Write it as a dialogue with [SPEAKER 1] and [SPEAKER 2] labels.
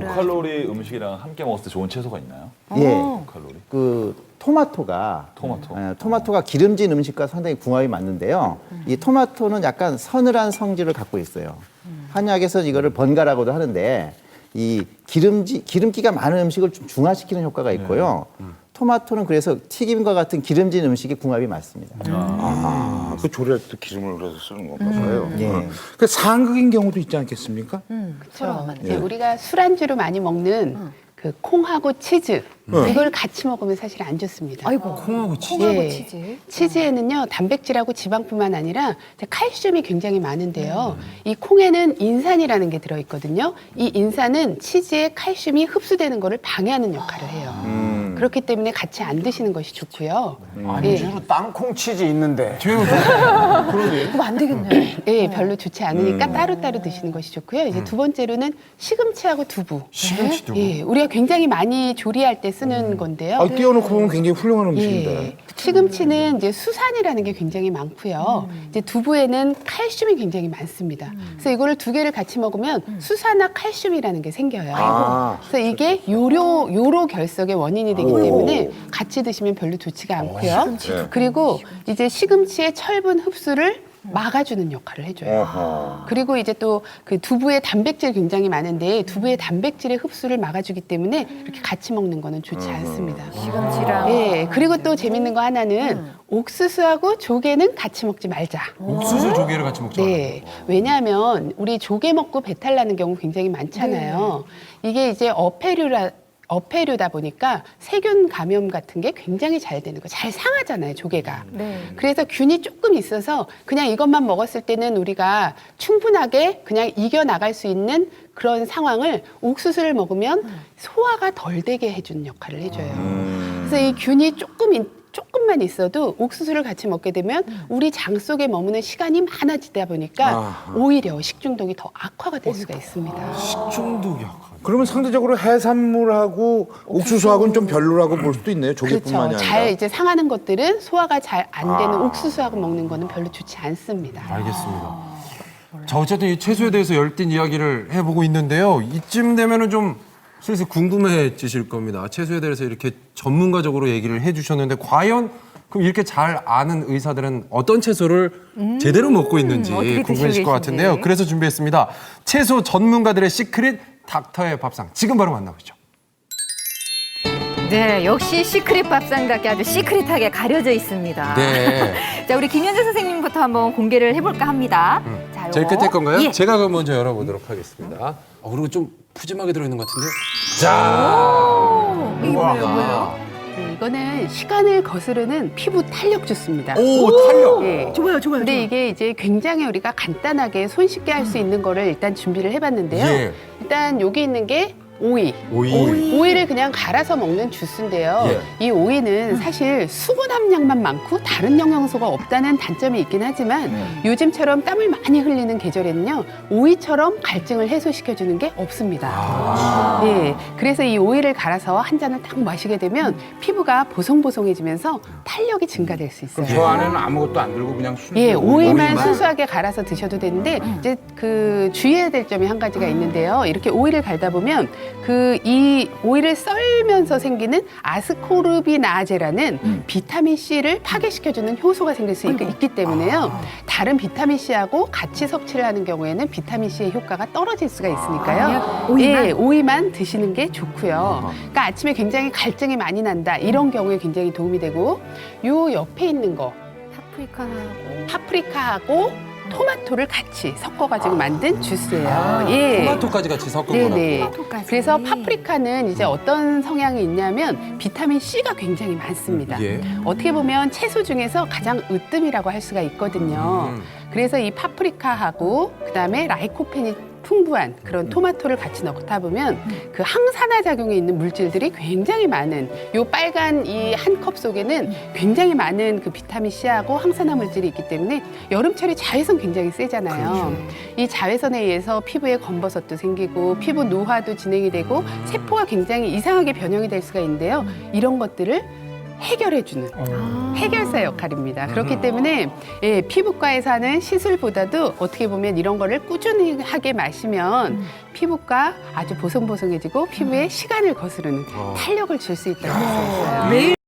[SPEAKER 1] 고칼로리 음식이랑 함께 먹었을 때 좋은 채소가 있나요?
[SPEAKER 2] 예.
[SPEAKER 1] 고칼로리.
[SPEAKER 2] 그 토마토가
[SPEAKER 1] 토마토.
[SPEAKER 2] 기름진 음식과 상당히 궁합이 맞는데요. 이 토마토는 약간 서늘한 성질을 갖고 있어요. 한약에서 이거를 번가라고도 하는데 이 기름기가 많은 음식을 좀 중화시키는 효과가 있고요. 토마토는 그래서 튀김과 같은 기름진 음식이 궁합이 맞습니다.
[SPEAKER 3] 그 조리할 때 기름을 그래서 쓰는 건가 봐요.
[SPEAKER 2] 예.
[SPEAKER 3] 그 상극인 경우도 있지 않겠습니까?
[SPEAKER 4] 그렇죠. 이제 우리가 술안주로 많이 먹는 그 콩하고 치즈 이걸 같이 먹으면 사실 안 좋습니다.
[SPEAKER 5] 아이고,
[SPEAKER 6] 콩하고 치즈.
[SPEAKER 4] 예.
[SPEAKER 5] 치즈.
[SPEAKER 4] 치즈에는요 단백질하고 지방뿐만 아니라 칼슘이 굉장히 많은데요. 이 콩에는 인산이라는 게 들어있거든요. 이 인산은 치즈의 칼슘이 흡수되는 것을 방해하는 역할을 해요. 그렇기 때문에 같이 안 드시는 것이 좋고요.
[SPEAKER 6] 안주로 땅콩 치즈 있는데.
[SPEAKER 5] 그럼 안 되겠네요.
[SPEAKER 4] 예, 별로 좋지 않으니까 따로따로 드시는 것이 좋고요. 이제 두 번째로는 시금치하고 두부.
[SPEAKER 6] 시금치 두부.
[SPEAKER 4] 예, 우리가 굉장히 많이 조리할 때 쓰는 건데요.
[SPEAKER 3] 띄워놓고 보면 굉장히 훌륭한 음식인데.
[SPEAKER 4] 예. 시금치는 이제 수산이라는 게 굉장히 많고요. 이제 두부에는 칼슘이 굉장히 많습니다. 그래서 이거를 두 개를 같이 먹으면 수산화 칼슘이라는 게 생겨요. 그래서 이게 요로 결석의 원인이 되기 때문에 같이 드시면 별로 좋지가 않고요. 그리고 이제 시금치의 철분 흡수를 막아주는 역할을 해줘요. 그리고 이제 또 그 두부에 단백질 굉장히 많은데 두부의 단백질의 흡수를 막아주기 때문에 이렇게 같이 먹는 거는 좋지 않습니다.
[SPEAKER 5] 시금치랑.
[SPEAKER 4] 예, 그리고 또 재밌는 거 하나는 옥수수하고 조개는 같이 먹지 말자.
[SPEAKER 6] 옥수수 조개를 같이 먹자.
[SPEAKER 4] 네, 왜냐하면 우리 조개 먹고 배탈 나는 경우 굉장히 많잖아요. 이게 이제 어패류다 보니까 세균 감염 같은 게 굉장히 잘 되는 거, 잘 상하잖아요, 조개가.
[SPEAKER 5] 네.
[SPEAKER 4] 그래서 균이 조금 있어서 그냥 이것만 먹었을 때는 우리가 충분하게 그냥 이겨나갈 수 있는 그런 상황을 옥수수를 먹으면 소화가 덜 되게 해주는 역할을 해줘요. 그래서 이 균이 조금만 있어도 옥수수를 같이 먹게 되면 우리 장 속에 머무는 시간이 많아지다 보니까 오히려 식중독이 더 악화가 될 수가 있습니다.
[SPEAKER 6] 식중독이 약간.
[SPEAKER 3] 그러면 상대적으로 해산물하고 옥수수하고는 좀 별로라고 볼 수도 있네요. 조개뿐만이
[SPEAKER 4] 그렇죠.
[SPEAKER 3] 아니라.
[SPEAKER 4] 잘 이제 상하는 것들은 소화가 잘 안 되는 옥수수하고 먹는 거는 별로 좋지 않습니다.
[SPEAKER 6] 알겠습니다. 자, 어쨌든 이 채소에 대해서 열띤 이야기를 해보고 있는데요. 이쯤 되면은 좀 슬슬 궁금해지실 겁니다. 채소에 대해서 이렇게 전문가적으로 얘기를 해주셨는데 과연 그럼 이렇게 잘 아는 의사들은 어떤 채소를 제대로 먹고 있는지
[SPEAKER 5] 어떻게
[SPEAKER 6] 궁금해질 것
[SPEAKER 5] 드시고
[SPEAKER 6] 같은데요.
[SPEAKER 5] 계신지.
[SPEAKER 6] 그래서 준비했습니다. 채소 전문가들의 시크릿 닥터의 밥상. 지금 바로 만나보죠.
[SPEAKER 5] 네, 역시 시크릿 밥상답게 아주 시크릿하게 가려져 있습니다.
[SPEAKER 6] 네.
[SPEAKER 5] 자, 우리 김현재 선생님부터 한번 공개를 해볼까 합니다. 자,
[SPEAKER 6] 제일
[SPEAKER 5] 요거.
[SPEAKER 6] 끝에 건가요?
[SPEAKER 5] 예.
[SPEAKER 6] 제가 그럼 먼저 열어보도록 하겠습니다. 그리고 좀 푸짐하게 들어있는 것 같은데요. 자,
[SPEAKER 5] 이게 뭐예요?
[SPEAKER 4] 네, 이거는 시간을 거스르는 피부 탄력 주스입니다.
[SPEAKER 6] 오, 탄력.
[SPEAKER 4] 예.
[SPEAKER 5] 좋아요.
[SPEAKER 4] 근데 이게 이제 굉장히 우리가 간단하게 손쉽게 할 수 있는 거를 일단 준비를 해봤는데요.
[SPEAKER 6] 예.
[SPEAKER 4] 일단 여기 있는 게 오이. 오이를 그냥 갈아서 먹는 주스인데요.
[SPEAKER 6] 예.
[SPEAKER 4] 이 오이는 사실 수분 함량만 많고 다른 영양소가 없다는 단점이 있긴 하지만 요즘처럼 땀을 많이 흘리는 계절에는요. 오이처럼 갈증을 해소시켜주는 게 없습니다. 예, 그래서 이 오이를 갈아서 한 잔을 딱 마시게 되면 피부가 보송보송해지면서 탄력이 증가될 수 있어요.
[SPEAKER 3] 저 안에는 아무것도 안 들고 그냥 순수
[SPEAKER 4] 예, 오이만 순수하게 갈아서 드셔도 되는데 이제 그 주의해야 될 점이 한 가지가 있는데요. 이렇게 오이를 갈다 보면 이 오이를 썰면서 생기는 아스코르비나제라는 비타민 C를 파괴시켜주는 효소가 생길 수 있기 때문에요. 다른 비타민 C하고 같이 섭취를 하는 경우에는 비타민 C의 효과가 떨어질 수가 있으니까요.
[SPEAKER 5] 오이만?
[SPEAKER 4] 예, 오이만 드시는 게 좋고요. 그러니까 아침에 굉장히 갈증이 많이 난다 이런 경우에 굉장히 도움이 되고 요 옆에 있는 거 파프리카하고 토마토를 같이 섞어가지고 만든 주스예요. 예.
[SPEAKER 6] 토마토까지 같이 섞은
[SPEAKER 4] 네네.
[SPEAKER 6] 거라고.
[SPEAKER 5] 토마토까지.
[SPEAKER 4] 그래서 파프리카는 이제 어떤 성향이 있냐면 비타민 C가 굉장히 많습니다.
[SPEAKER 6] 예.
[SPEAKER 4] 어떻게 보면 채소 중에서 가장 으뜸이라고 할 수가 있거든요. 그래서 이 파프리카하고 그다음에 라이코펜이 풍부한 그런 토마토를 같이 넣다 보면 그 항산화 작용에 있는 물질들이 굉장히 많은 요 빨간 이 한 컵 속에는 굉장히 많은 그 비타민 C하고 항산화 물질이 있기 때문에 여름철에 자외선 굉장히 세잖아요. 이 자외선에 의해서 피부에 검버섯도 생기고 피부 노화도 진행이 되고 세포가 굉장히 이상하게 변형이 될 수가 있는데요. 이런 것들을 해결해주는 해결사 역할입니다. 그렇기 때문에 예, 피부과에서 하는 시술보다도 어떻게 보면 이런 거를 꾸준히 하게 마시면 피부가 아주 보송보송해지고 피부에 시간을 거스르는 탄력을 줄 수 있다고 할 수 있어요.